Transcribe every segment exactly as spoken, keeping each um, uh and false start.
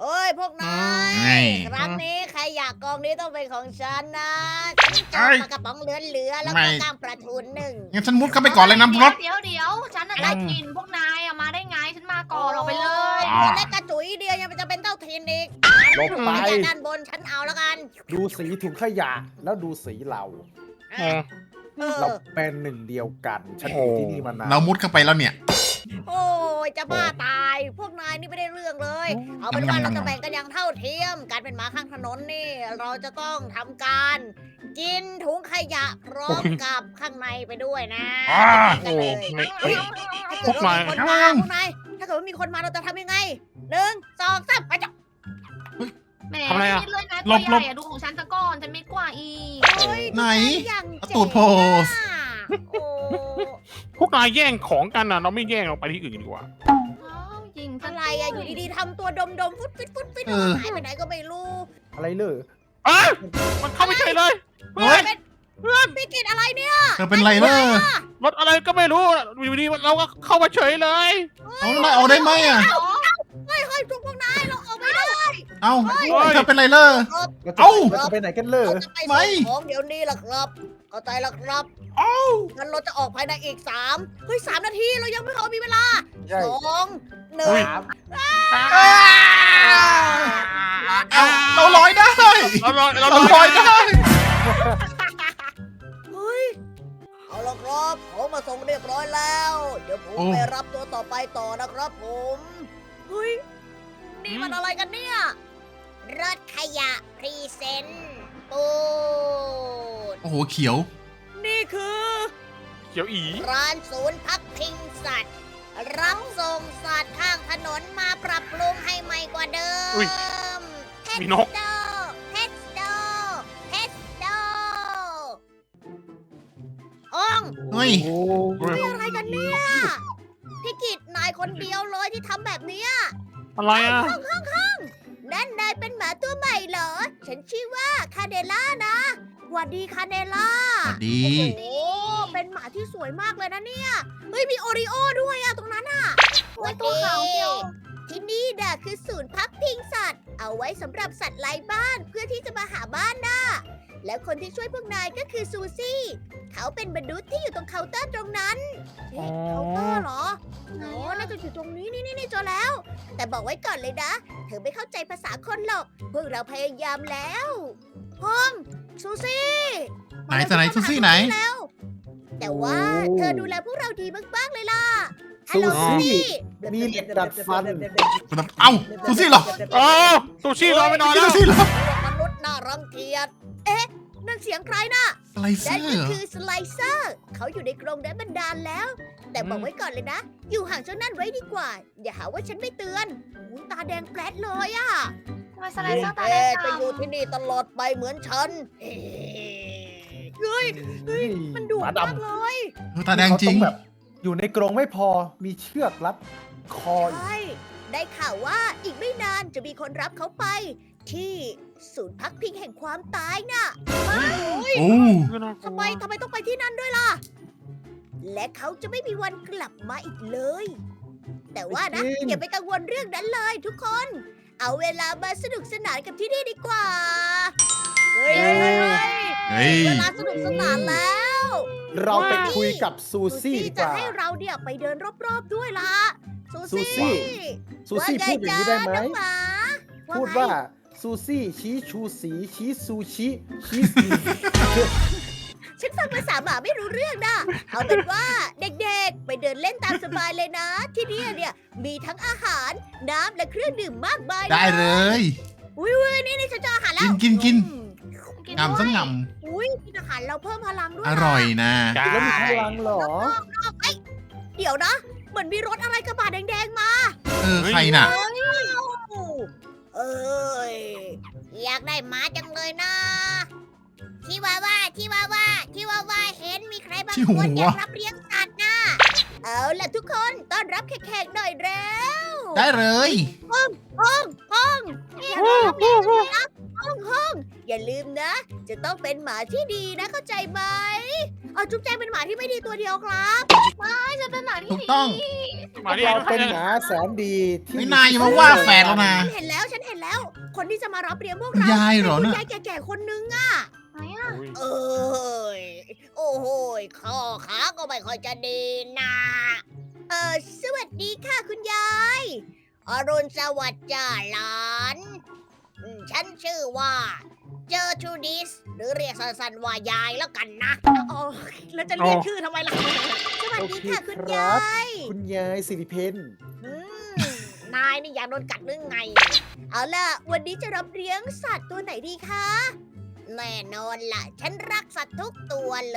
เอ้ยพวกนายไงครั้งนี้ใครอยากกองนี้ต้องเป็นของฉันนะฉันจะเอาปลากระป๋องเหลือๆแล้วก็กล้างปลาทูหนึ่งงั้นฉันมุดเข้าไปก่อนเลยน้ำรถเดี๋ยวเดี๋ยวฉันน่ะได้กินพวกนายอะมาได้ไงฉันมาก่อนออกไปเลยอ๋อตัวเล็กกระจุยเดียวยังจะเป็นเต้าทินอีกลงไปจากด้านบนฉันเอาแล้วกันดูสีถุงขยะแล้วดูสีเราเออเราเป็นหนึ่งเดียวกัน ฉันอยู่ที่นี่มานานเรามุดเข้าไปแล้วเนี่ยโอ้ยจะบ้าตาย พวกนายนี่ไม่ได้เรื่องเลย เอาเป็นว่าเราจะแบ่งกันอย่างเท่าเทียม การเป็นหมาข้างถนนนี่ เราจะต้องทำการ กินถุงขยะพร้อมกับข้างในไปด้วยนะอ่ากินกันเลยไม่เฮ้ยถ้าเกิดว่ามีคนมาพวกนายถ้าเกิดว่ามีคนมาเราจะทำยังไงหนึ่งสองสามไปจ้ะแหมทำอะไรอะคิดเลยนะหลตัวบใหญ่อะดูของฉันซะก่อนฉันไม่กว่าอีกเฮ้ยไหนอย่างเอาเจ๋งตูดโพสอะโอ้พวกนายแย่งของกันนะเราไม่แย่งเราไปที่อื่นดีกว่าอ้าวยิงซอะไรอะอยู่ดีๆทำตัวดมๆฟุดฟิตฟุดฟิตเออหายไปไหนก็ไม่รู้อะไรเลยอ่ะมันเข้าไม่ใช่เลยเฮ้ยเป็นพี่กินอะไรเนี่ยเธอเป็นไรเลอรถอะไรก็ไม่รู้อยู่ดีเราก็เข้ามาเฉยเลยเอาแล้วนายเอาได้ไหมอ่ะเฮ้ยเฮ้ยทุกพวกนายเราออกไม่ได้เอาเธอเป็นไรเลอเราจะเอ้าเราจะไปไหนกันเลยเราจะไปไม่ส่งของเดี๋ยวนี้ล่ะครับเข้าใจแล้วครับเอ้างั้นเราจะออกภายในอีกสามเฮ้ยสามนาทีเรายังไม่พอมีเวลาใช่สองหนึ่งสามเอาเราลอยได้เราลอยเราเราลลออย ยได้เฮ้ยเอาละครับของมาส่งเรียบร้อยแล้ว เดี๋ยวผมโอ้ไปรับตัวต่อไปต่อนะครับผมเฮ้ยนี่มันอะไรกันเนี่ยรถขยะพรีเซนต์ปูดโอ้โหเขียวนี่คือเขียวอีร้านศูนย์พักพิงสัตว์ รับส่งสัตว์ข้างถนนมาปรับปรุงให้ใหม่กว่าเดิมอุ๊ยเพชมีรนกโดเพชรโดเพชรโดอ้องเฮ้ยโอ้นี่อะไรกันเนี่ยพี่กิตนายคนเดียวเลยที่ทำแบบเนี้ยอะไรอ่ะนั่นนายเป็นหมาตัวใหม่เหรอ ฉันชื่อว่าคาเนล่านะหวัดดีคาเนล่าสวัสดีโอ้เป็นหมาที่สวยมากเลยนะเนี่ย เฮ้ยมีโอริโอด้วยอะตรงนั้นอะโอ้ยตัวขาวเชียวที่นี่น่ะคือศูนย์พักพิงสัตว์ เอาไว้สำหรับสัตว์ไร้บ้านเพื่อที่จะมาหาบ้านน่ะ แล้วคนที่ช่วยพวกนายก็คือซูซี่ เขาเป็นมนุษย์ที่อยู่ตรงเคาน์เตอร์ตรงนั้นเอ๊ะอ๋อเคาน์เตอร์เหรออ๋อน่าจะอยู่ตรงนี้นี่นี่นี่เจอแล้ว แต่บอกไว้ก่อนเลยนะ เธอไม่เข้าใจภาษาคนหรอก พวกเราพยายามแล้วห้องซูซี่ไหนจะไหนซูซี่ไหนแล้ว แต่ว่าเธอดูแลพวกเราดีมากๆเลยล่ะฮัลซูโหลซี่มีเหล็กดัดฟันเอ้าซูซี่เหรอโอ้ซูชิรอไปนอนซูแล้วซี่เหรอมนุษย์น่ารังเกียจ เอ๊ะ นั่นเสียงใครน่ะอะไรเสื้นั่นอก็คือสไลเซอร์ เขาอยู่ในกรงนั้นบรรดาลแล้ว แต่บอกไว้ก่อนเลยนะ อยู่ห่างเจ้านั่นไว้ดีกว่า อย่าหาว่าฉันไม่เตือนหูตาแดงแปลดเลยอะทำไมสไลเซอร์ตาแดเอ๊ะงจะอยู่ที่นี่ตลอดไปเหมือนฉันเฮ้ย เฮ้ย มันดุหมามากดำเลยเออตาแดงจริงเขาต้องแบบอยู่ในกรงไม่พอมีเชือกรัดคออีกใช่ ได้ข่าวว่าอีกไม่นานจะมีคนรับเขาไป ที่ศูนย์พักพิงแห่งความตายน่ะโอ้ทำไมทำไมต้องไปที่นั่นด้วยล่ะ และเขาจะไม่มีวันกลับมาอีกเลย แต่ว่านะจริงอย่าไปกังวลเรื่องนั้นเลยทุกคน เอาเวลามาสนุกสนานกับที่นี่ดีกว่า เฮ้ยเฮ้ยเฮ้ยเฮ้ยเฮ้ยเวลาสนุกสนานแล้วเราไปคุยกับซูซี่ดีกจะว่าให้เราเนี่ยไปเดินรอบๆด้วยล่ะ ซูซูซี่ ซูซี่พูดอย่างนี้ได้ไหมว่างจ๊ะน้องหมาพูดไงว่าซูซี่ชี้ชูสีชี้ซูชิชี้สีฉันฟังภาษาหมาไม่รู้เรื่องนะ เอาเป็นว่าเด็กๆ ไปเดินเล่นตามสบายเลยนะ ที่นี่เนี่ยมีทั้งอาหาร น้ำและเครื่องดื่มมากมายนะได้เลยอุ้ยอุ้ยนี่นี่ฉันเจออาหารแล้วกินกินกินอืมกินงามด้สัวงยงอุ้ยกินอาหารเราเพิ่มพลังด้วยำอนะร่อยนะใช่แล้วมีพลังเหรอเอ้ยเดี๋ยวนะ เหมือนมีรถอะไรกระบะแดงๆมาเออใครน่ะเอ้ยอยากได้หมาจังเลยนะชิวาว่าชิวาว่าชิวาว่าเห็นมีใครบางชิควาน ว่าอยากรับเลี้ยงสัตว์นะเอาล่ะทุกคนต้อนรับแขกๆหน่อยเร็วได้เลยห้องห้องห้องอยากรับเลี้ยงจังเลยนะห้องห้องอย่าลืมนะ จะต้องเป็นหมาที่ดีนะเข้าใจไหมเอาจุ๊บแจงเป็นหมาที่ไม่ดีตัวเดียวครับไม่ฉันเป็นหมาที่ถูกต้องดีมาดิเราเป็นหมาแสนดีที่ไม่นายอย่ามาว่าแฟนเรานะฉันเห็นแล้วฉันเห็นแล้ว คนที่จะมารับเลี้ยงพวกคุณเรายายเหรอคุณน่ะยายแก่ๆคนนึงอะไหนอ่ะอุ้ยเอ้ยโอ้โหยข้อขาก็ไม่ค่อยจะดีนะเออสวัสดีค่ะคุณยายอรุณสวัสดิ์จ้าหลานอืมฉันชื่อว่าเจอทูดิสหรือเรียกสั้นๆว่ายายแล้วกันนะอ๋อแล้วจะเรียกชื่อทำไมล่ะ สวัสดีค่ะคุณยายคุณยายสิริเพนอืมนายนี่อยากโดนกัดหรือไง เอาล่ะ วันนี้จะรับเลี้ยงสัตว์ตัวไหนดีคะ แน่นอนล่ะ ฉันรักสัตว์ทุกตัวเลย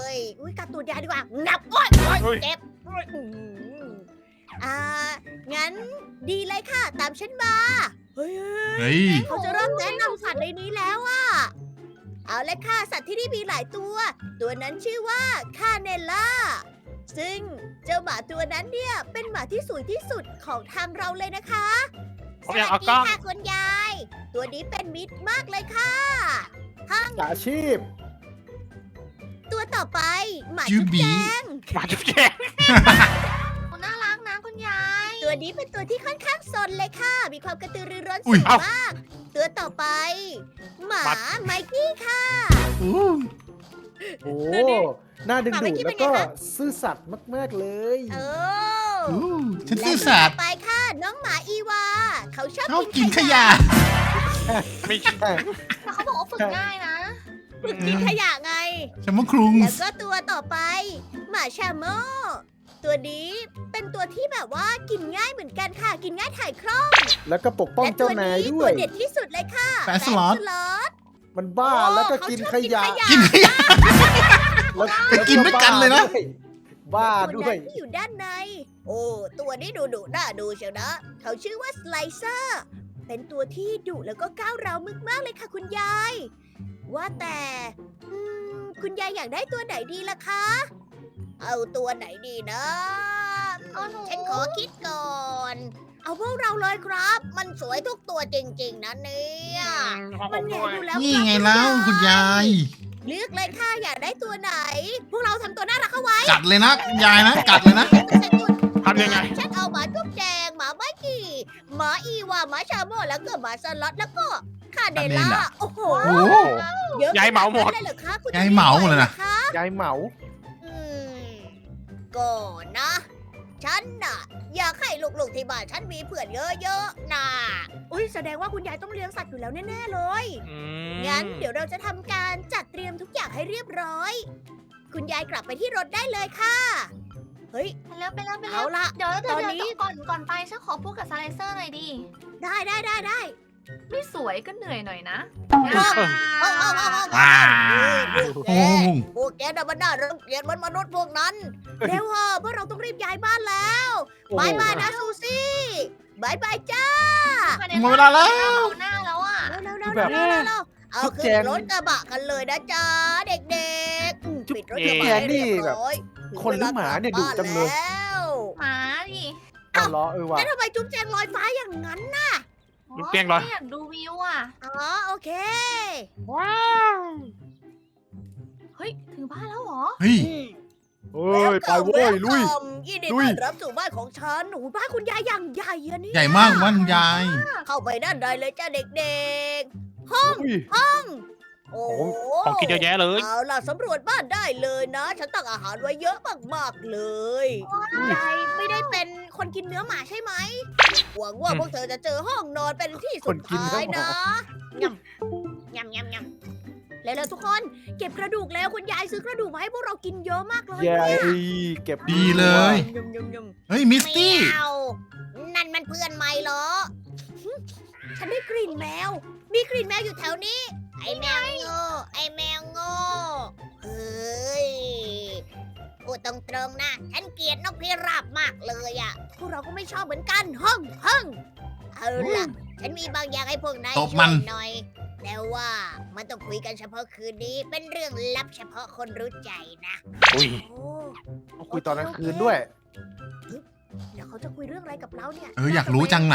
อุ้ยกัดตัวยายดีกว่า งับโอ๊ยโอ๊ยเจ็บโอ๊ยอื้อหืออ่า งั้นดีเลยค่ะ ตามฉันมา เฮ้ยเฮ้ยเขาจะเริ่มแนะนำสัตว์ในนี้แล้วอะเอาเลยค่ะ สัตว์ที่นี่มีหลายตัว ตัวนั้นชื่อว่าคาเนล่า ซึ่งเจ้าหมาตัวนั้นเนี่ยเป็นหมาที่สวยที่สุดของทางเราเลยนะคะผสมอยากวัเอาสกดีล้องค่ะคุณยาย ตัวนี้เป็นมิตรมากเลยค่ะอาชีพตัวต่อไปหมาชื่จุ๊อบ บีแจงหมาจุ๊บแจงคุณน่ารักนะคุณยายตัวนี้เป็นตัวที่ค่อนข้างซนเลยค่ะ มีความกระตือรือร้นอุ๊สูยงมาก ตัวต่อไป หมาไมกี้ค่ะอู้โอ้ดูดิหน้าดึงหมาดูเมื่ดอกี้แล้เป็วนไงก็คะซื่อสัตย์มาก ๆ เลยเอออู้ฉันและซื่อตัวสัตต่ย์อไปค่ะ น้องหมาอีวา เขาชอบชอบกิกินนขขยะยะไม่ใช่แต่เขาบอกว่าฝึกง่ายนะฝึกกินขยะไงฉันมาครุงแล้วก็ตัวต่อไป หมาชาโมตัวนี้เป็นตัวที่แบบว่ากินง่ายเหมือนกันค่ะ กินง่ายถ่ายคล่องแล้วก็ปกป้องและตัเจ้าว นายนี้ด้ตัว วย เด็ดที่สุดเลยค่ะแปะสล็อตแปะสล็อตมันบ้าโอ้แล้วก็เขากินชอบขยะกินขยะแล้วไปกินด้วยกันเลยนะบ้าตัวด้วยนั้นที่อยู่ด้านใน โอ้ตัวนี้ดูดุน่าดูเชียวนะ เขาชื่อว่าสไลเซอร์ เป็นตัวที่ดุแล้วก็ก้าวร้าวมากๆเลยค่ะคุณยาย ว่าแต่อืมคุณยายอยากได้ตัวไหนดีล่ะคะ เอาตัวไหนดีนะเอาหนูฉันขอคิดก่อน เอาพวกเราเลยครับ มันสวยทุกตัวจริงๆนะเนี่ยของผมันมแหด้งวยดูแล้วนี่ครับไงแล้วคุณยายเลือกเลยค่ะอยากได้ตัวไหน พวกเราทำตัวน่ารักเข้าไว้กัดเลยนะคุณยายนะ กัดเลยนะทำยังไงฉันเอาหมาจุ๊บแจงหมาไมกี้หมาอีวาหมาชาโมแล้วก็หมาสล็อตแล้วก็คาเดล่าคาเดล่าโอ้โหโอ้เยอะยายเหมาหมดขนนั้นเลยเหรอคะคุณยายเหมาหมดเลยนะคะยายเหมาอืมก็นะ ฉันน่ะ อยากให้ลูกๆที่บ้านฉันมีเพื่อนเยอะๆนะอุ้ยแสดงว่าคุณยายต้องเลี้ยงสัตว์อยู่แล้วแน่ๆเลยอืมงั้นเดี๋ยวเราจะทำการจัดเตรียมทุกอย่างให้เรียบร้อย คุณยายกลับไปที่รถได้เลยค่ะ เฮ้ยไปแล้วไปแล้วไปแล้เอาวละเดี๋ยวเดี๋ยวตอนเดี๋ยวนี้ก่อนก่อนไปฉันขอพูดกับสไลเซอร์หน่อยดิได้ได้ได้ได้ไม่สวยก็เหนื่อยหน่อยนะเอาเอาเอาเอาว้าพวกแกโอ้โหพวกแกน่ะมันน่ารังเกียจเหมันมนุษย์พวกนั้น เร็วเหอะเพราะเราต้องรีบย้ายบ้านแล้วโอ้โหบายบายนะซูซี่บายบายจ้าหมดเวลาแล้วเอาหน้าแล้วอ่ะเร็วเร็วแบเร็วบเร็วเร็วเอาจุ๊บขึ้แจนงรถกระบะกันเลยนะจ๊ะเด็กๆอืมจุ๊บปิดรถกระบะแจงให้นี่เรียบแบบร้อยคนหรือหมาเนี่ยดุจังเลยแล้วหมาดิเอาล้อเออว่ะแล้วทำไมจุ๊บแจงลอยฟ้าอย่างนั้นน่ะลูกเตียงเหรอไม่อยากดูวิวอ่ะอ๋อโอเคว้าวเฮ้ย ถึงบ้านแล้วเหรอเฮ้ยเฮ้ย ไปเว้ย ลุย Welcome ยินดีลุต้ยอนรับสู่บ้านของฉันโอ้โหบ้านคุณยายอย่างใหญ่อะเนี่ยใหญ่มากว่านคุณยายเข้าไปด้านในเลยจ้าเด็กๆ ห้องอุ้ยห้อง โอ้โหของกินเยอะแยะเลยเอาล่ะสำรวจบ้านได้เลยนะ ฉันตักอาหารไว้เยอะมากๆเลยยายไม่ได้เป็นคนกินเนื้อหมาใช่ไหมหวังว่าอืมพวกเธอจะเจอห้องนอนเป็นที่สุดท้ายนะยำยำยำยำเร็วๆทุกคน เก็บกระดูกแล้วคุณยายซื้อกระดูกมาให้พวกเรากินเยอะมากเลยยายเนี่ยเก็บดีเลยยำยำยำเฮ้ย มิสไม่ตี้เอานั่นมันเพื่อนไม่เหรอหึฉันได้กลิ่นแมว มีกลิ่นแมวอยู่แถวนี้ ไอแมวโง่ ไอแมวโง่ เฮ้ย พูดตรงๆนะ ฉันเกลียดนกพิราบมากเลยอะพวกเราก็ไม่ชอบเหมือนกัน ห้องห้องเอาล่ะ ฉันมีบางอย่างให้พวกนายตบช่มัวน ยหน่อย แต่ว่ามันต้องคุยกันเฉพาะคืนนี้ เป็นเรื่องลับเฉพาะคนรู้ใจนะอุ้ยโอ้คุยตอนกลางคืนด้วยเดี๋ยวเขาจะคุยเรื่องอะไรกับเราเนี่ยเออ อยากรู้จังน่ะ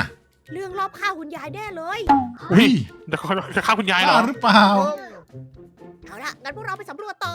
เรื่องรอบฆ่าคุณยายแน่เลยอุ้ยเดี๋ยวเขาจะฆ่าคุณยายเหรบ้าอหรือเปล่าเอาละงั้นพวกเราไปสำรวจต่อ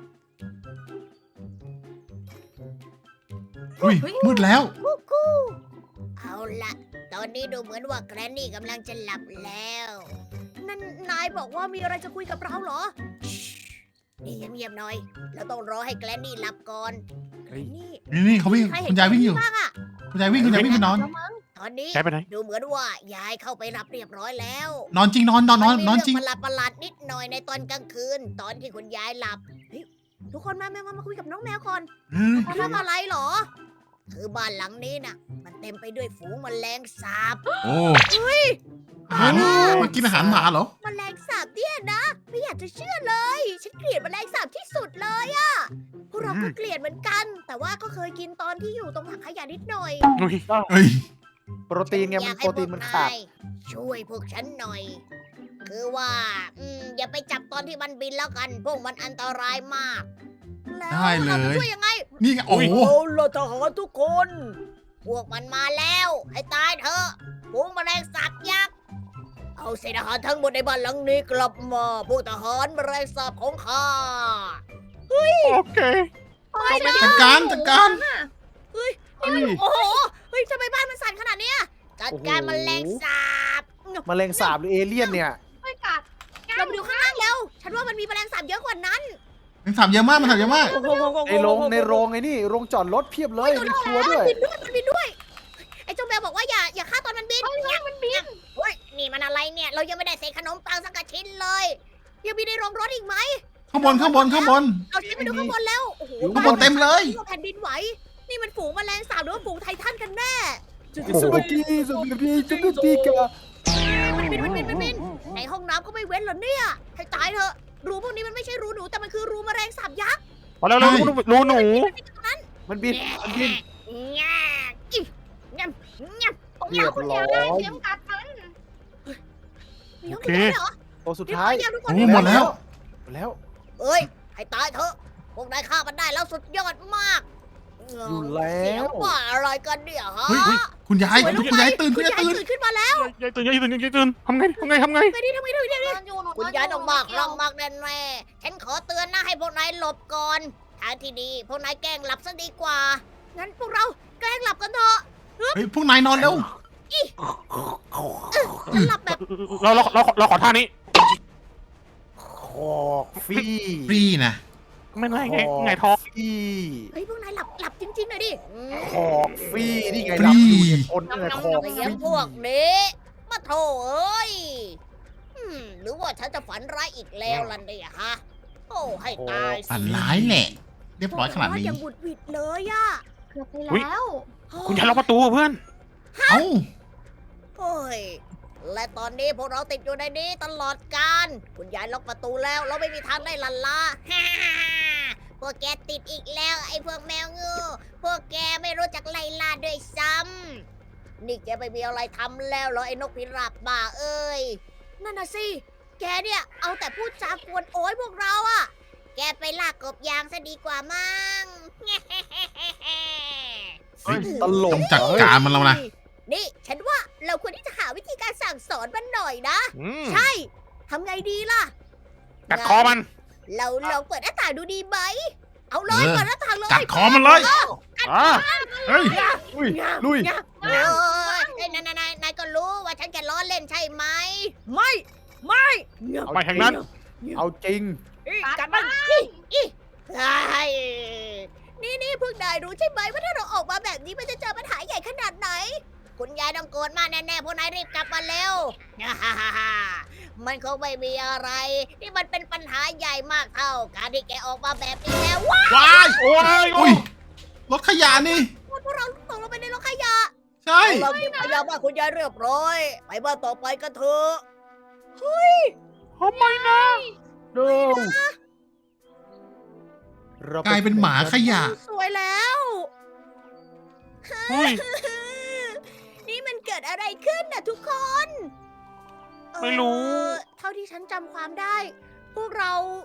อุ้ยมืดแล้วกูกูเอาละตอนนี้ดูเหมือนว่าแกรนนี่กำลังจะหลับแล้ว นั่นนายบอกว่ามีอะไรจะคุยกับเราเหรอนี่เงียบๆหน่อย เราต้องรอให้แกรนนี่หลับก่อนเฮ้ยนี่นี่นี่เขาวิ่งใครเห็คุนณยายวิ่งอยู่แกรนนี่บ้างอะคุณยายวิ่งคุณยายวิ่งไปนอนตอนนี้ยายไปไหนดูเหมือนว่ายายเข้าไปหลับเรียบร้อยแล้วนอนจริงนอนนอนนอนมัมีนอนจริงเประหลาดประหลาดๆนิดหน่อยในตอนกลางคืน ตอนที่คุณยายหลับเฮ้ยทุกคนมาแมวมามาคุยกับน้องแมวก่อนเฮ้ยเรื่องอะไรเหรอ คือบ้านหลังนี้น่ะ มันเต็มไปด้วยฝูงแมลงสาบโอ้อาหารมากินอาหารหมาเหรอแมลงสาบเนี่ยนะ ไม่อยากจะเชื่อเลย ฉันเกลียดแมลงสาบที่สุดเลยอะพวกเราก็เกลียดเหมือนกัน แต่ว่าก็เคยกินตอนที่อยู่ตรงถังขยะนิดหน่อยอุ้ยเฮ้ยโปรตีนไงอมัยาน กโปให้รพตีวน กมันนาขาดยช่วยพวกฉันหน่อย คือว่าอืมอย่าไปจับตอนที่มันบินแล้วกัน พวกมันอันตรายมาก แล้วได้เลยราจะช่วยยังไงนี่ไงโอ้โหเอาละทหารทุกคน พวกมันมาแล้ว ให้ตายเถอะฝูงแมลงสาบยักษ์ เอาเศษอาหารทั้งหมดในบ้านหลังนี้กลับมาพวกทหารแมลงสาบของข้าโอเคจัดการจัดการเฮ้ยโอ้โห เฮ้ยทำไมบ้านมันสั่นขนาดเนี้ยจัดการโอ้โหแมลงสาบแมลงสาบหรือเอเลี่ยนเนี่ยไม่กัดเราไปดูข้างล่างแล้ว ฉันว่ามันมีแมลงสาบเยอะกว่านั้นมันถามเยอะมากมันถามเยอะมากในโรงในโรงไอ้นี่โรงจอดรถเพียบเลยในครัวด้วยมันบินด้วย มันบินด้วย ไอ้เจ้าแมวบอกว่าอย่าอย่าฆ่าตอนมันบินเนี่ยมันบินเฮ้ย นี่มันอะไรเนี่ย เรายังไม่ได้เศษขนมปังสักกระชิ้นเลย ยังมีในโรงรถอีกไหมข้างบนข้างบนข้างบนเราชี้ไปดูข้างบนแล้ว โอ้โหข้างบนเต็มเลยแผ่นดินไหว นี่มันฝูงแมลงสาบหรือว่าฝูงไททันกันแน่สวัสดีสวัสดีสวัสดีกะมันบินมันบินมันบินในห้องน้ำก็ไม่เว้นเหรอเนี่ย ให้ตายเถอะ รูพวกนี้มันไม่ใช่รูหนูแต่มันคือรูแมลงสาบยักษ์พอแล้วเรารู้หนูมันบินมันบินแง่อิแง่แง่เรียบร้อยเตรียมกัดมันมีห้องน้ำเหรอตัวสุดเรียบท้าร้อย ยยังทุกคนโอ้หมดแล้วหมดแล้วเอ้ย ให้ตายเถอะ พวกนายฆ่ามันได้แล้วสุดยอดมากอยู่แล้เสียงวว่าอะไรกันเนี่ยฮะเฮ้ยเฮ้ยคุณยายคุณยายตื่นคุคุณ ณยายาย ยตื่นตื่นขึ้นมาแล้วยายตื่นยายตื่นยายตื่นทำไงทำไงทำไงไปดิทำไมทำไมทำไมนอนอยู่หนูนคุณอนยายต้องมากเกี่รัยวงมากแน่แน่ๆฉันขอเตือนนะให้พวกนายหลบก่อนทางที่ดีพวกนายแกล้งหลับซะดีกว่า งั้นพวกเราแกล้งหลับกันเถอะเฮ้ยพวกนายนอนเร็วฉันหลับแบบเราเราเราเราขอท่านี้คอกฟี่ฟรีนะไม่ไงไงไงท้องฟี่เฮ้ยพวกนายหลับหลับจริงๆหน่อยดิอืมคอกฟี่นี่ไงรับอยู่ในคนนี่ไงคอกเสีฟี่ยงพวกนี้มาโถเอ้ยอืมหรือว่าฉันจะฝันร้ายอีกแล้วล่ะเนี่ยฮะ โอ้ให้ตายสิฝันร้ายแหละ เรียบร้อยขนาดนี้ยังบุดหวิดเลยอะเกือบไปแล้วคุณยายล็อกประตูเพื่อนเอ้าโอ้ย และตอนนี้พวกเราติดอยู่ในนี้ตลอดกาลคุณยายล็อกประตูแล้ว เราไม่มีทางได้ลันลา ฮ่าพวกแกติดอีกแล้ว ไอ้พวกแมวงูพวกแกไม่รู้จักไล่ล่าด้วยซ้ำนี่แกไม่มีอะไรทำแล้วเหรอไอ้นกพิราบบ้าเอ้ย นั่นน่ะสิ แกเนี่ยเอาแต่พูดจากวนโอ้ยพวกเราอะแกไปลากกบยางซะดีกว่ามั้งเฮ้ยตลต้กองจัดการมันแล้วนะนี่ฉันว่าเราควรที่จะหาวิธีการสั่งสอนมันหน่อยนะอืมใช่ ทำไงดีล่ะกัดคอมันเราลองเปิดหน้าต่างดูดีไหม เอาเลยเออเปิดหน้าต่างเลยกัดคอมันเลยอ่าเฮ้ยลุยลุยเออนายนายนายนายก็รู้ว่าฉันแค่ล้อเล่นใช่ไหม ไม่ ไม่ไปทางนั้นเอาจริงกัดมันอีอีใช่นี่นี่พวกนายรู้ใช่ไหมว่าถ้าเราออกมาแบบนี้มันจะเจอปัญหาใหญ่ขนาดไหน คุณยายต้องโกรธมากแน่ๆพวกนายรีบกลับมาเร็ว มันคงไม่มีอะไร นี่มันเป็นปัญหาใหญ่มากเท่าการที่แกออกมาแบบนี้แล้วว้าว้ายโอ้ยอุ้ย รถขยะนี่พวกเราตกลงไปในรถขยะใช่เราเก็บขยะบ้านคุณยายเรียบร้อย ไปบ้านต่อไปกันเถอะทำไมนะดูกลายเป็นหมาขยะสวยแล้วเฮ้ยนี่มันเกิดอะไรขึ้นน่ะทุกคนไม่รู้เอ่อเท่าที่ฉันจำความได้ พวกเรา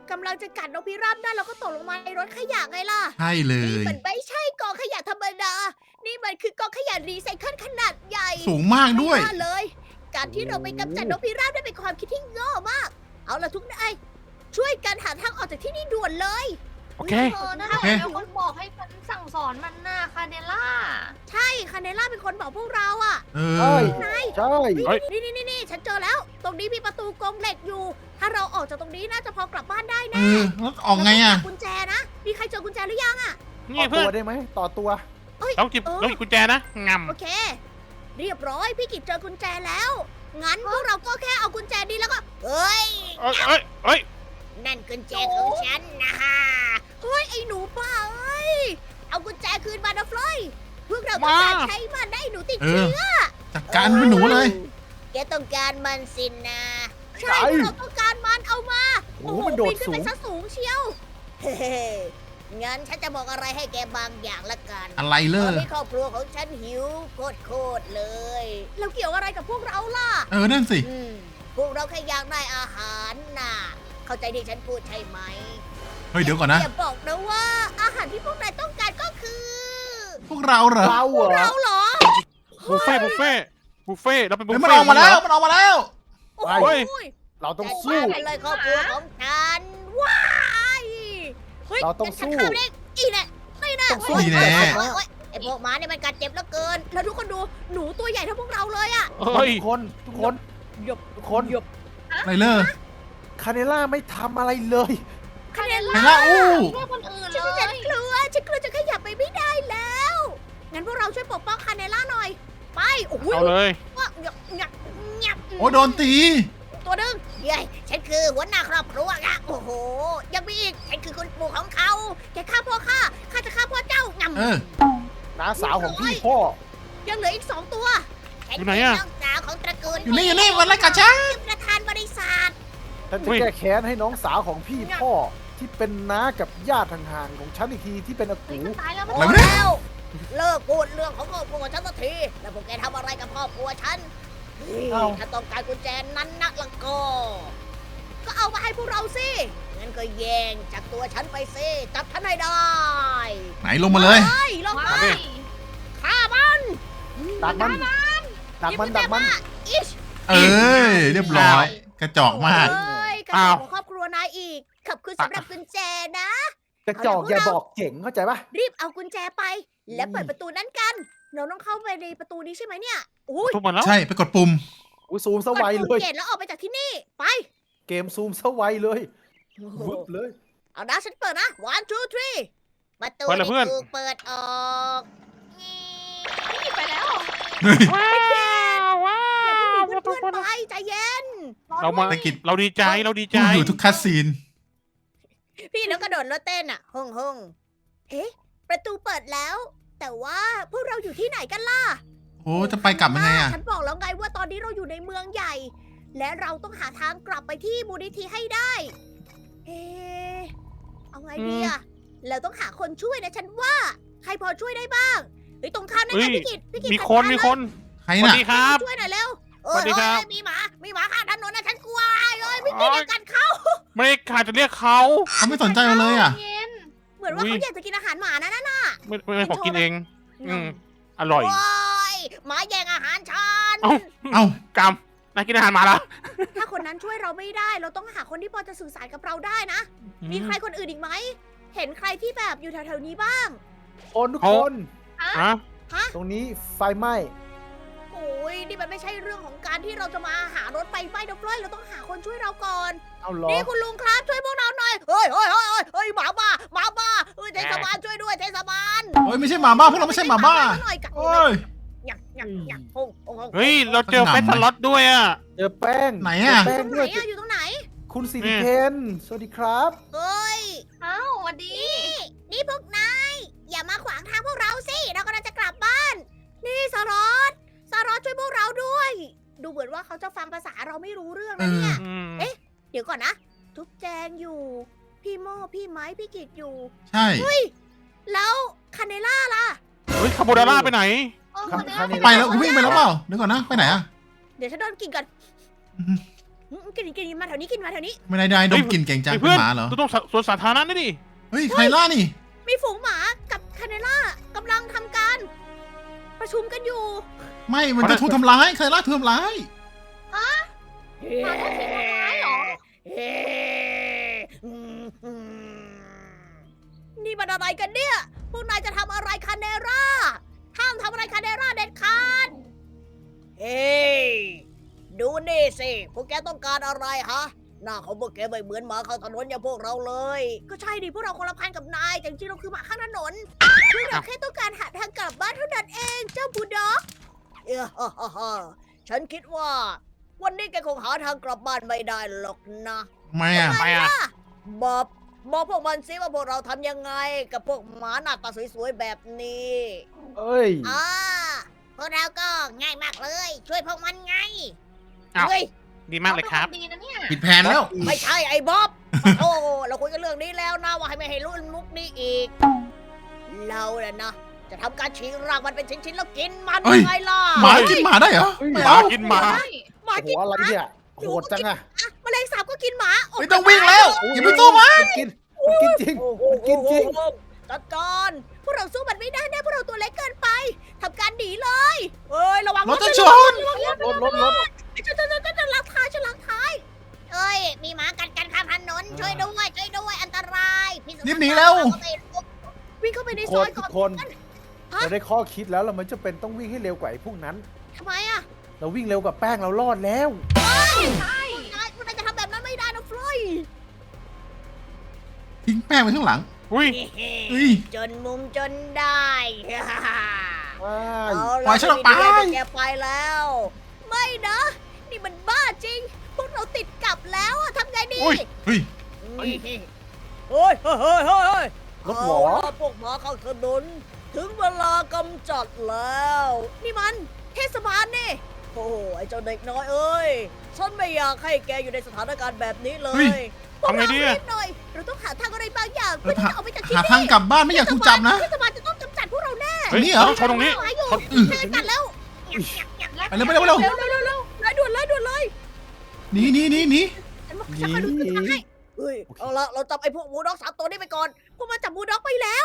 กำลังจะกัดนกพิราบได้แล้วก็ตกลงมาในรถขยะไงล่ะใช่เลนี่ยมันไม่ใช่กองขยะธรรมดา นี่มันคือกองขยะรีไซเคิลขนาดใหญ่สูงมากด้วยไม่น่าเลย การที่เราไปกำจัดนกพิราบได้เป็นความคิดที่โง่มาก เอาละทุกนายช่วยกันหาทางออกจากที่นี่ด่วนเลยโอเคเออนะโอเคเดี๋ยวคนบอกให้ฉันสั่งสอนมันน่ะคาเนล่าใช่คาเนล่าเป็นคนบอกพวกเราอะเอใช่อนายใช่เฮ้ยนี่นี่นี่นี่ฉันเจอแล้ว ตรงนี้มีประตูกรงเหล็กอยู่ ถ้าเราออกจากตรงนี้น่าจะพอกลับบ้านได้เอแน่อแล้วออกไงอ่ะกุญแจนะ มีใครเจอกุญแจหรือยังนี่ต่อเพื่ตัอวน ได้ไหมต่อตัวเราจิบเราหยิบกุญแจนะงโอเค เรียบร้อยพี่กิจเจอกุญแจแล้ว งั้นพวกเราก็แค่เอากุญแจนี้แล้วก็เฮ้ยำเอ้ยเอ้ยเอ้ยนั่นกุญแจของฉันนะฮะเฮ้ยไอ้หนูป้าเอ้ย เอากุญแจคืนมานะฟลอยพวกเราต้องการใช้มันได้หนูติดเอเชื้ออจัดการเป็นหนูเลยแกต้องการมันสินนะใช่ใช่พวกเราต้องการมันเอามาโอ้โหมันโดดปีขึ้นไปสูงซะสูงเชียว เฮ้งั้นฉันจะบอกอะไรให้แกบางอย่างละกันอะไรเลตยอนนี้ครอบครัวของฉันหิวโคตรๆเลย แล้วเกี่ยวอะไรกับพวกเราล่ะเออ นั่นสิอืม พวกเราแค่อยากได้อาหารน่ะ เข้าใจที่ฉันพูดใช่ไหมเฮ้ย เดี๋ยวก่อนนะอย่าบอกนะว่าอาหารที่พวกนายต้องการก็คือพวกเราเหรอเราเหรอเราเหรอบุฟเฟ่ต์บุฟเฟ่ต์บุฟเฟ่ต์เราเป็นบุฟเฮ้ยเฟ่มันออกมาแล้ว มันออกมาแล้วโอ้ไปโหเราต้องจัดสู้การเลยครอบครัวของฉัน ว้ายเฮ้ยเราต้องงั้นฉันสู้ข้ามได้อีแน่ไม่น่าต้องสู้โอ๊ยแน่โอ๊ยโอ๊ยโอ๊ยไอพวกหม้าเนี่ยมันกัดเจ็บเหลือเกิน แล้วทุกคนดูหนูตัวใหญ่เท่าพวกเราเลยอะเฮ้ยทุกคนทุกคนทุกคนไรเลอร์คาเนล่าไม่ทำอะไรเลยคาเนไหนล่าล่ะอู้ช่วยคนอื่นฉันเลฉันยกลัวฉันกลัวจะขยับไปไม่ได้แล้ว งั้นพวกเราช่วยปกป้องคาเนล่าหน่อย ไป โอ้โหเอาเลยว่าหยับหยับหยับโอ้ยโดนตีตัวหนึงเย้ยฉันคือหัวหน้าครอบครัวอะโอ้โห ยังมีอีก ฉันคือคุณปู่ของเขา แกฆ่าพ่อข้า ข้าจะฆ่าพ่อเจ้างำเออน้าสาวของพี่พ่อยังเหลืออีกสองตัวฉันอยู่เป็ไหนนอะน้องสาวของตระกูลอยู่นี่อยู่นี่มันไล่กัดฉันประธานบริษัทฉันอุ้จะยแก้แค้นให้น้องสาวของพี่พ่อ ที่เป็นน้ากับญาติห่างๆของฉันอีกทีที่เป็นอาเฮ้ยกูมันตายแล้วมันโอ้อะไรวะเนี่ยแล้วเลิกพูดเรื่องของครอบครัวฉันสักที แล้วพวกแกทำอะไรกับครอบครัวฉันเฮ้ยเอ้าถ้าต้องการกุญแจนั้นนักละก็ ก็เอามาให้พวกเราสิ งั้นก็แย่งจากตัวฉันไปสิ จับฉันให้ได้ไหนลงมาเลยเฮ้ยลงว้ามายฆ่ามันดักมันดักมันดักมันอิชเออ เรียบร้อย กระจอกมากเอ้ยกระอ้าจวกของครอบครัวนายอีก ขอบคุณสำหรับกุญแจนะกระจอกอย่าบอกเจ๋งเข้าใจปะรีบเอากุญแจไป และเปิดอืมประตูนั้นกัน เราต้องเข้าไปในประตูนี้ใช่ไหมเนี่ยอุ้ยทุบมันแล้วใช่ ไปกดปุ่มอุ้ยซูมสกดวัยปุ่เลมยเกตแล้วออกไปจากที่นี่ ไปเกมซูมสวัยเลยวึบเลยเอานะฉันเปิดนะ one two three ประตูเปิดเลยเพื่อนถูกเปิดออกนี่ไปแล้วว้าวว้าอย่าเพิ่งหนีวเพื่อนๆไปใจเย็นเรามาตะกิดเราดีใจเราดีใจอยู่ทุกคัสซีนพี่แล้วกระโดดรถเต้นอ่ะฮงฮงเอ๊ะ ประตูเปิดแล้ว แต่ว่าพวกเราอยู่ที่ไหนกันล่ะโอ้จะไปกลับยังไงอ่ะฉันบอกแล้วไงว่าตอนนี้เราอยู่ในเมืองใหญ่ และเราต้องหาทางกลับไปที่มูลนิธิให้ได้ เอ๊ะเอาไงดีอะเราต้องหาคนช่วยนะฉันว่า ใครพอช่วยได้บ้างเฮ้ยตรงข้ามนั่นเฮ้ไงยพี่กิตพี่กิตมีจัดคนการมีเลยคนใครสวัสน่ะดีครับช่วยหน่อยเร็วสวัสดีครับเอ้ยมีหมา มีหมาข้างถนนนะฉันกลัวเลยพี่กิตอย่ากัดเขาไม่ได้ขาดจะเรียกเขาเขาไม่สนใจเราเลยอ่ะเย็นเหมือนว่าอุ๊ยเขาอยากจะกินอาหารหมานะนั่นน่ะไม่ไม่ไม่ขอกินเอง อืมอร่อยโอ้ยหมาแย่งอาหารฉันเอ้าเอ้ากรรมนายกินอาหารมาแล้วถ้าคนนั้นช่วยเราไม่ได้ เราต้องหาคนที่พอจะสื่อสารกับเราได้นะ มีใครคนอื่นอีกไหม เห็นใครที่แบบอยู่แถวๆนี้บ้างคนทุกเขาคนฮะฮะตรงนี้ไฟไหม้โอ้ยนี่มันไม่ใช่เรื่องของการที่เราจะมาหารถไฟไหม้นะเฟ้ยเราต้องหาคนช่วยเราก่อนเอาเหรอนี่คุณลุงครับช่วยพวกเราหน่อย เฮ้ยเฮ้ยเฮ้ยเฮ้ยเฮ้ยหมาบ้าหมาบ้าเฮ้ยเทศบาลช่วยด้วยเทศบาลโอ้ยไม่ใช่หมาบ้าพวกเราไม่ใช่หมาบ้าหน่อยกับโอ้ยหยักหยักหยักพงพงพงเฮ้ย เราเจอหนำเฟสสล็อตด้วยอ่ะเจอแป้งไหนอะเจออแป้งยู่ตรงไหนด้วยอะอยู่ตรงไหนคุณสิริเพนสวัสดีครับเฮ้ยเอ้าสวัสดีนี่พวกนาย อย่ามาขวางทางพวกเราสิ เรากำลังจะกลับบ้าน นี่สารอตสารอตช่วยพวกเราด้วย ดูเหมือนว่าเขาจะฟังภาษาเราไม่รู้เรื่องนะเนี่ยอืมเอ๊ะ เดี๋ยวก่อนนะ ทุกแจงอยู่ พี่โม่พี่ไม้พี่กิจอยู่ใช่แล้วคาเนล่าล่ะเฮ้ยคาโบนาร่าไปไหนเออครับคนนี้คาเนไปแล้ววิ่งไปแล้วเปล่าเดี๋ยวก่อนนะ ไปไหนอ่ะเดี๋ยวฉันโดนกินก่อนอืมกินกินมาแถวนี้กินมาแถวนี้ไม่ได้ได้ดมกลิ่นเก่งจังไอ้เป็เพื่นอนหมาเหรอเราต้องสวนสาธารณะนี่ดิเฮ้ยใครล่านี่มีฝูงหมากับคาเนล่ากำลังทำการ ประชุมกันอยู่ไม่ มันจะถูกทำร้ายใครล่าถูกทำร้ายมาทุกทีทำร้ายเหรอนี่มันอะไรกันเนี่ย พวกนายจะทำอะไรคาเนร่า ห้ามทำอะไรคาเนร่าเด็ดขาด เฮ้ย ดูนี่สิ พวกแกต้องการอะไรฮะ หน้าของพวกแกไม่เหมือนหมาข้างถนนอย่างพวกเราเลย ก็ใช่ดิ พวกเราคนละพันกับนาย แต่จริงๆเราคือหมาข้างถนนพวกเราแค่ต้องการหาทางกลับบ้านเท่านั้นเอง เจ้าบูลด็อก เออฮ่าฮ่าฮ่าฉันคิดว่า วันนี้แกคงหาทางกลับบ้านไม่ได้หรอกนะไม่อะไปอ่ะบอก บอกพวกมันสิว่าพวกเราทำยังไง กับพวกหมาหน้าตาสวยๆแบบนี้เอ้ยอ่าพวกเราก็ง่ายมากเลย ช่วยพวกมันไงอ้าวเฮ้ยดีมากเลยครับดีนะเนี่ยผิดแผนแล้วไม่ใช่ไอ้บ๊อบ โอ้เราคุยกันเรื่องนี้แล้วนะว่าให้ไม่ให้รุ่นมุกนี้อีก เราเนี่ยนะ จะทำการฉีกร่างมันเป็นชิ้นๆแล้วกินมันเอ้ยยังไงล่ะหมากินหมาได้เหรอเฮ้ยไม่หมาเอากินหมาใช่หมาโอ้โหกินอะไรเนี่ยโหดจังอะอ่ะแมลงสาบก็กินหมาโไม่ต้องวิ่งแล้ว อย่าไปสู้มันมันกินมันกินจริงโอ้โหมันกินจริงจัดการพวกเราสู้มันไม่ได้แน่พวกเราตัวเล็กเกินไปทำการหนีเลยเอ้ยระวังรถจะชนระวังรถรถรถรถฉันจะจะจะลักท้ายฉันลักท้ายเอ้ยมีหมากัดกันข้ามถนนช่วยด้วยช่วยด้วยอันตรายพี่สุดรีบหนีแล้ววิ่งเข้าไปในทุกซคอน ยทุก่อก นคนฮะเราได้ข้อคิดแล้วเรามันจะเป็นต้องวิ่งให้เร็วกว่าไอ้พวกนั้นทำไมอะเราวิ่งเร็วกว่าแป้งเรารอดแล้วใช่นายนายจะทำแบบนั้นไม่ได้นะฟลอยทิ้งแป้งไว้ข้างหลังอุ้ยเฮ้ยจนมุมจนได้ว้ายเอาปล่อยฉันออกไปม่ด้แกไปแล้ว ไม่นะ นี่มันบ้าจริง พวกเราติดกลับแล้วอะทำไงดีอุ้ยเฮ้ยเฮ้ยเฮ้ยเฮ้ยเฮ้ยเฮ้ยรถหวอเอาล่ะพวกหมาเข้าถนนถึงเวลากำจัดแล้ว นี่มันเทศบาลนี่ โอ้โหไอ้เจ้าเด็กน้อยเอ้ย ฉันไม่อยากให้แกอยู่ในสถานการณ์แบบนี้เลเฮ้ยยพวกทำไงเราดีอะรีบหน่อย เราต้องหาทางอะไรบางอย่างเพื่อที่จะออกไปจากที่หานี่ทางกลับบ้านไม่อยากถูกจับนะเทศบาลจะต้องกำจัดพวกเราแน่เฮ้ยนี่เหรอเราต้องชนตรงนี้หาอยู่ชนเจอกันแล้วไปเร็วไปเร็วไปเร็วเร็วเร็วเร็วเร็วเลยด่วนเลยด่วนเลยหนีหนีหนีหนีฉันว่าฉันคอยดูทิศทางให้เฮ้ย เอาละเราจับไอ้พวกบูลด็อกสามตัวนี้ไปก่อน พวกมันจับบูลด็อกไปแล้ว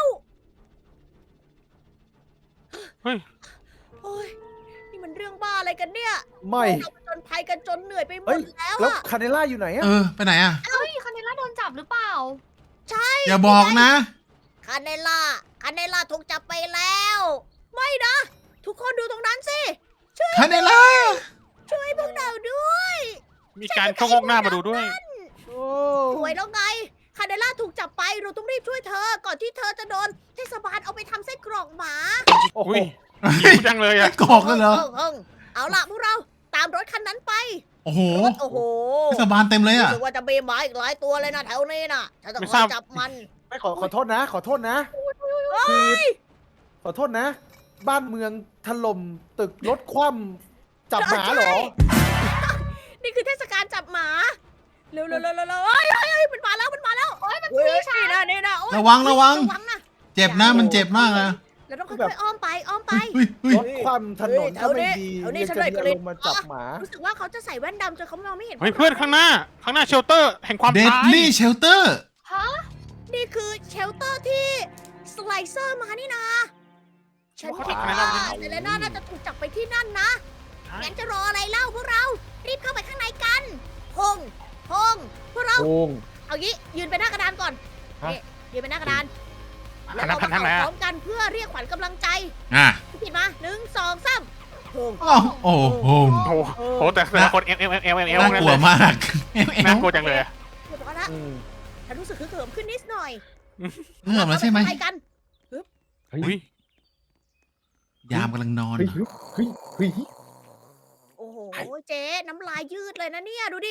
เฮ้ยโอ้ย นี่มันเรื่องบ้าอะไรกันเนี่ยไม่เราผจญภัยกันจนเหนื่อยไปหมเฮ้ดยแล้วแล้วอะคาเนล่าอยู่ไหนอะเออ ไปไหนอะเฮ้ยคาเนล่าโดนจับหรือเปล่าอย่าบอกนะคาเนล่า คาเนล่าถูกจับไปแล้ว ไม่นะ ทุกคนดูตรงนั้นสิคาเนล่าช่วยพวกเราด้วยมีการเข้างอกหน้ามาดูด้วยโอ้สวยแล้วไง คาเนล่าถูกจับไป เราต้องรีบช่วยเธอ ก่อนที่เธอจะโดนเทศบาลเอาไปทำไส้กรอกหมาโอ้โหอุ้ยหิวจังเลยอะกอกเลยเหรอเพิ่งๆเอาล่ะพวกเราตามรถคันนั้นไปโอ้โหรถโอ้โหเทศบาลเต็มเลยรู้อะสึกว่าจะมีหมาอีกหลายตัวเลยนะแถวนี้น่ะ ฉันจะไม่คทอราบยจับมันไม่ขอขอโทษนะ ขอโทษนะคือขอโทษนะ บ้านเมืองถล่มตึกรถคว่ำจับหมาเหรอนี่คือเทศกาลจับหมา เร็วเร็วเร็วเร็วเร็วเฮ้ยเฮ้ยเฮ้ยมันมาแล้วมันมาแล้วโอ้ยมันเฮ้ยพี่ชายนี่นะนี่นะโอ๊ยระวังระวังระวังนะเจ็บนะ มันเจ็บมากนะเราต้องค่แบอบ ยๆอ้อมไปอ้อมไปเฮ้ยเฮ้ยรถคว่ำถนนก็ไม่ดีแถวนี้ยังฉันจะได้เดิกลิ่นนลงมาจับหมารู้สึกว่าเขาจะใส่แว่นดำจนเขามองไม่เห็นเฮ้ยเพื่อนข้างหน้า ข้างหน้าเชลเตอร์ แห่งความเดดตายลี่เชลเตอร์ฮะนี่คือเชลเตอร์ที่สไลเซอร์มานี่นะฉันคิดว้าวว่าเซเลน่าน่าจะถูกจับไปที่นั่นนะงั้นจะรออะไรเล่าพวกเรา รีบเข้าไปข้างในกันพงพงพวกเราโอ่งเอางี้ยืนไปหน้ากระดานก่อนฮะนี่ยืนไปหน้ากระดานหัแล้วนหน้าเราพันทางไหนมาอะพร้อมกันเพื่อเรียกขวัญกำลังใจอ่ะพี่ผิดมาหนึ่งสองสามโอ้โอ้โอ้โหโอ้โหโหแต่แต่ละคนเอลเอลเอลเอลเอลน่านั่นกลัเลวย มากเอวเอน่าว กลัวจังเลยเรียบร้อยแล้วอืมฉันรู้สึกฮึกเหิมขึ้นนิดหน่อยเงื่อมแล้วใช่ไหมปกันอุ้ยยามกำลังนอนเฮ้ยเฮ้ยเฮ้ยโอ้โหเจ๊น้ำลายยืดเลยนะเนี่ยดูดิ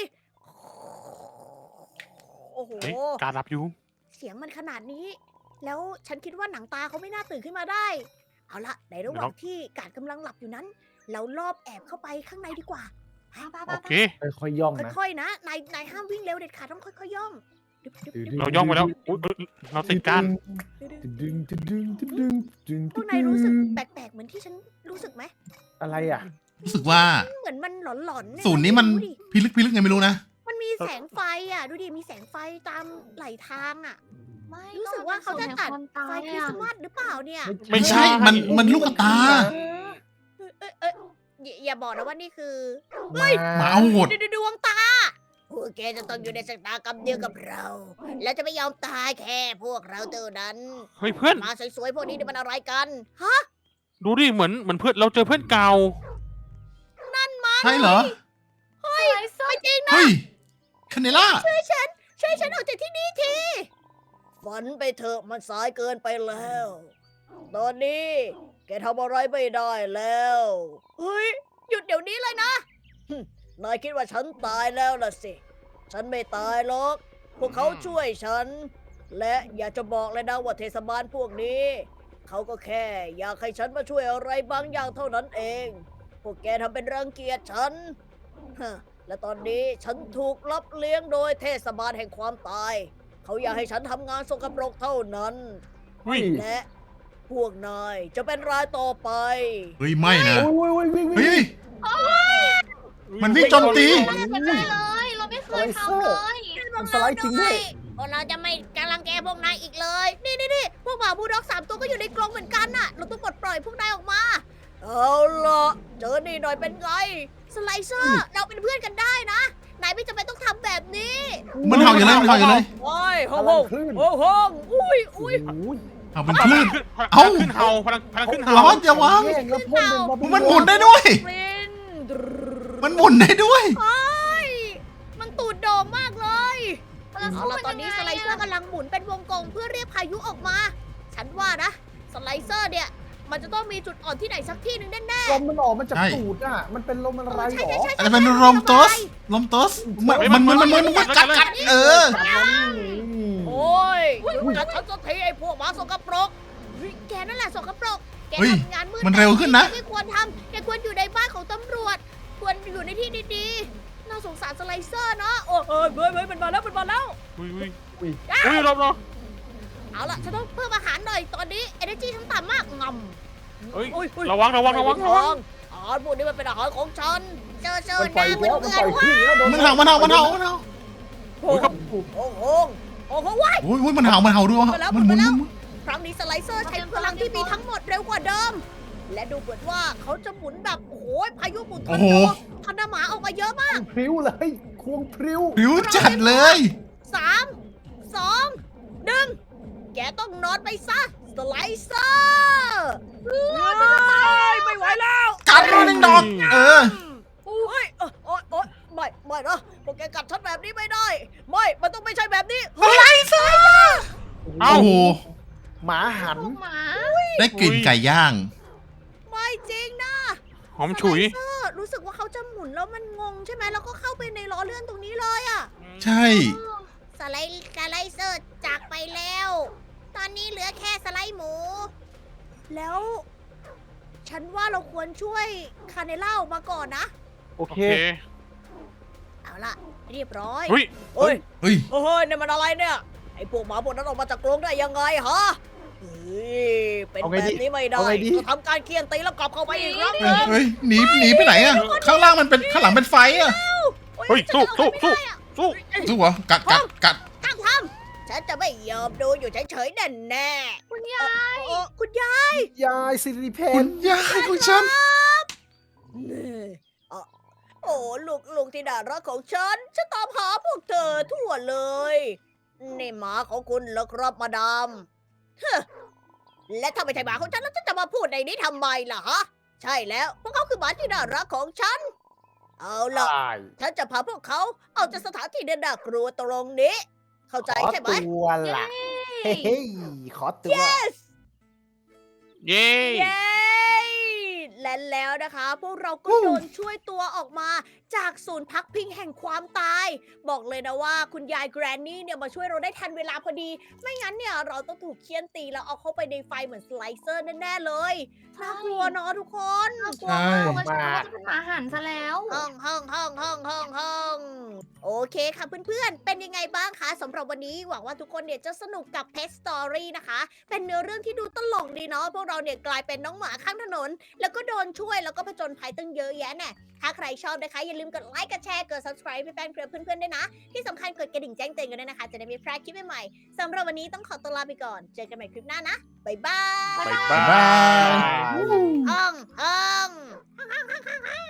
โอ้โหเฮ้ยการรับอยู่เสียงมันขนาดนี้ แล้วฉันคิดว่าหนังตาเขาไม่น่าตื่นขึ้นมาได้ เอาละในระหว่างที่กาดกำลังหลับอยู่นั้น เราลอบแอบเข้าไปข้างในดีกว่าโอเคค่อยๆย่องนะค่อยๆนะนายนายห้ามวิ่งเร็วเด็ดขาดต้องค่อยๆย่องดึบดึบดึบเราย่องไปแล้วอุ๊ยเราติดการดึบดึงดึงดึงดึงดึงดึงพวกนายรู้สึกแปลกๆเหมือนที่ฉันรู้สึกไหมอะไรอ่ะรู้สึกว่าเหมือนมันหลอนๆเยศูนย์นี้มันดูดิพิลึกพิลึกไงไม่รู้นะมันมีแสงไฟอ่ะ ดูดิ มีแสงไฟตามไหลทางอ่ะไม่รู้สึกว่าเขาจะตัดความตาไฟยคริสอะต์มาสหรือเปล่าเนี่ยไม่ใช่มันมันลูกตาเอ้ยเอ้ยเอ้ยอย่าอย่าบอกนะว่านี่คือเฮ้ยหมาเอาหดดดวงตาพวกแกจะต้องอยู่ในสายตากรรมเดียวกับเรา และจะไม่ยอมตายแค่พวกเราเท่านั้นเฮ้ยเพื่อนมาสวยๆพวกนี้นี่มันอะไรกัน ฮะดูดิเหมือนเหมือนเพื่อนเราเจอเพื่อนเก่าใช่เหรอเฮ้ยไม่จริงนะเฮ้ยคาเนล่าช่วยฉัน ช่วยฉันออกจากที่นี่ที ฝันไปเถอะมันสายเกินไปแล้ว ตอนนี้ แกทำอะไรไม่ได้แล้ว เฮ้ย หยุดเดี๋ยวนี้เลยนะหึนายคิดว่าฉันตายแล้วล่ะสิ ฉันไม่ตายหรอก พวกเขาช่วยฉัน และอยากจะบอกเลยนะว่าเทศบาลพวกนี้ เขาก็แค่อยากให้ฉันมาช่วยอะไรบางอย่างเท่านั้นเอง พวกแกทำเป็นรังเกียจฉันฮะและตอนนี้ฉันถูกรับเลี้ยงโดยเทศบาลแห่งความตาย เขาอยากให้ฉันทำงานสกปรกเท่านั้นเฮ้ยและพวกนายจะเป็นรายต่อไปเฮ้ยไม่นะโอ้ยโอ้ยวิ่งวิ่งเฮ้ย มันวิ่งโจมตีไม่ได้เป็นไรเลย เราไม่เคยทำเลยมันสไลด์จริงด้วยพวกเราจะไม่กำลังแกพวกนายอีกเลย นี่นี่นี่พวกหมาบูลด็อกสามตัวก็อยู่ในกรงเหมือนกันน่ะ เราต้องปลดปล่อยพวกนายออกมา เอาล่ะ เจอนี่หน่อยเป็นไง สไลเซอร์ เราเป็นเพื่อนกันได้นะ นายไม่จำเป็นต้องทำแบบนี้มันเห่าอยู่เลยมันเห่าอยู่เลยโอ้ยพโอ้ลัโหงคลื่นโอ้โหอุ้ยอุ้ยโอ้ยเอาเป็นคลื่นพลังเอ้าขึ้นเฮาพลังพลังขึ้นเฮาร้อนอย่าวางแย่งแล้วพ่นเป็นบาร์บีคิวมันหมุนได้ด้วยปรินมันหมุนได้ด้วยโอ้ยมันตูดโด่งมากเลยเราเอาสู้ล่ะมันตอนนี้ยังสไงไลเซอร์อะกำลังหมุนเป็นวงกลมเพื่อเรียกพายุออกมา ฉันว่านะ สไลเซอร์เนี่ย มันจะต้องมีจุดอ่อนที่ไหนสักที่หนึ่งแน่ลมมันออกมันจากใช่ตูดอ่ะ มันเป็นลมอะไรๆหรใช่อใช่ใช่อาจจะเป็นลมโตสลมโตสมันมันมันมันมันมันกัดกัดเออโอ้ยกัดฉันสักทีไอ้พวกหมาสกปรกเฮ้ยแกนั่นแหละสกปรก แกเฮ้ยทำงานมืดมันเร็วขึ้นนะแกไม่ควรทำแกควรอยู่ในบ้านของตำรวจ ควรอยู่ในที่ดีๆ น่าสงสารสไลเซอร์เนาะโอ้เฮ้ยเฮ้ยเฮ้ยมันมาแล้วมันมาแล้วอุ้ยอุ้ยอุ้ยอุ้ยรอบรอบเอาล่ะฉันต้องเพิ่มอาหารหน่อย ตอนนี้ energy ฉันต่ำมากงำเฮ้ยอุ๊ยอุ๊ยระวังระวังระวังระวังอาหารพวกนี้มันเป็นอาหารของฉัน เจอเจอมันหปล่อน้ายอีกเพื่แล้วอนมันปล่อยขึ้นแล้วโดนมันเห่ามันเห่ามันเห่ามันเห่าโอ้โหโอ้โหโอ้โหว้ายโอ้ยโอ้ยมันเห่ามันเห่าด้วยไปแล้วมันหมุนไปแล้วหมุนครั้งนี้สไลเซอร์ใช้พลังที่มีทั้งหมดเร็วกว่าเดิม และดูเหมือนว่าเขาจะหมุนแบบโอ้โหพายุหมุนทอโอ้ร์โหนาโดทอร์นาหมาออกมาเยอะมากพริ้วเลยควงพริ้วผิวจัดเลยสามสองหนึ่งแกต้องนอนไปซะสไลเซอร์ไม่ไหวแล้วกัดมาหนึ่งดอก เออโอ้ยโอ้ยโอ้ยโอ้ยไม่ไม่นะพวกแกกัดฉันแบบนี้ไม่ได้ ไม่มันต้องไม่ใช่แบบนี้อะไรซะเอ้าโอ้โหหมาหันพวกหมาได้กลิ่นไก่ย่างไม่จริงนะหอมฉุยสไลเซอร์รู้สึกว่าเขาจะหมุนแล้วมันงงใช่ไหมแล้วก็เข้าไปในล้อเลื่อนตรงนี้เลยอะใช่สไลด์สไลเซอร์จากไปแล้ว ตอนนี้เหลือแค่สไลด์หมู แล้ว ฉันว่าเราควรช่วยคาเนล่าออกมาก่อนนะโอโอเคเคเอาล่ะ เรียบร้อยเฮ้ยเฮ้ยเฮ้ยเฮ้ยนี่มันอะไรเนี่ย ไอ้พวกหมาพวกนั้นออกมาจากกรงได้ยังไงฮะเฮ้ยเป็นเอาแบไงบดีนี้ไม่ได้เอาไงดีก็ทำการเคี่ยนตีแล้วกลับเข้าไปอีกครั้งหเฮ้นึยงเฮ้ยหนีหนีไปไหนอะข้างล่างมันเป็นข้างหลังเป็นไฟอะเฮ้ยสู้สู้สู้ สู้สู้เหรอกัดกัดกัดตั้งทำฉันจะไม่ยอมดูอยู่เฉยๆแน่แน่ๆคุณยายโอ้คุณยายยายสิริเพคุนณยายของฉันนี่อ่ะโอ้ลูกลูกที่น่ารักของฉัน ฉันตามหาพวกเธอทั่วเลยนี่หมาของคุณเหรอครับมาดามเฮ้อและถ้าไม่ใช่หมาของฉันแล้วฉันจะมาพูดในนี้ทำไมล่ะฮะ ใช่แล้วพวกเขาคือหมาที่น่ารักของฉัน เอาล่ะตายฉันจะพาพวกเขาออกจากสถานที่เดินน่ากลัวตรงนี้ เข้าใจขอใช่ไหมตัวล่ะ เฮ้ยขอตัว yes เย้เย้ และแล้วนะคะ พวกเราก็โดนช่วยตัวออกมาจากศูนย์พักพิงแห่งความตาย บอกเลยนะว่าคุณยายแกรนนี่เนี่ยมาช่วยเราได้ทันเวลาพอดี ไม่งั้นเนี่ยเราต้องถูกเคี่ยนตีแล้วเอาเข้าไปในไฟเหมือนสไลเซอร์แน่ๆเลยน่ากลัวเนาะทุกคนกลัวมากว่าฉันว่าจะเป็นหมาหันซะแล้วห้องห้องห้องห้องห้องห้องโอเคค่ะเพื่อนๆ เป็นยังไงบ้างคะสำหรับวันนี้หวังว่าทุกคนเนี่ยจะสนุกกับ Pet Story นะคะ เป็นเนื้อเรื่องที่ดูตลกดีเนาะพวกเราเนี่ยกลายเป็นน้องหมาข้างถนน แล้วก็โดนช่วยแล้วก็ผจญภัยตั้งเยอะแยะแน่ถ้าใครชอบนะคะอย่าลืมกดไลค์กดแชร์กด subscribe เป็นแฟนเพจเพื่อนๆด้วยนะ ที่สำคัญกดกระดิ่งแจ้งเตือนกันด้วยนะคะ จะได้ไม่พลาดคลิปใหม่ๆสำหรับวันนี้ต้องขอตัวลาไปก่อนเจอกันใหม่คลิปหน้านะบ๊ายบายบ๊ายบ๊ายบาบายยห้องห้อง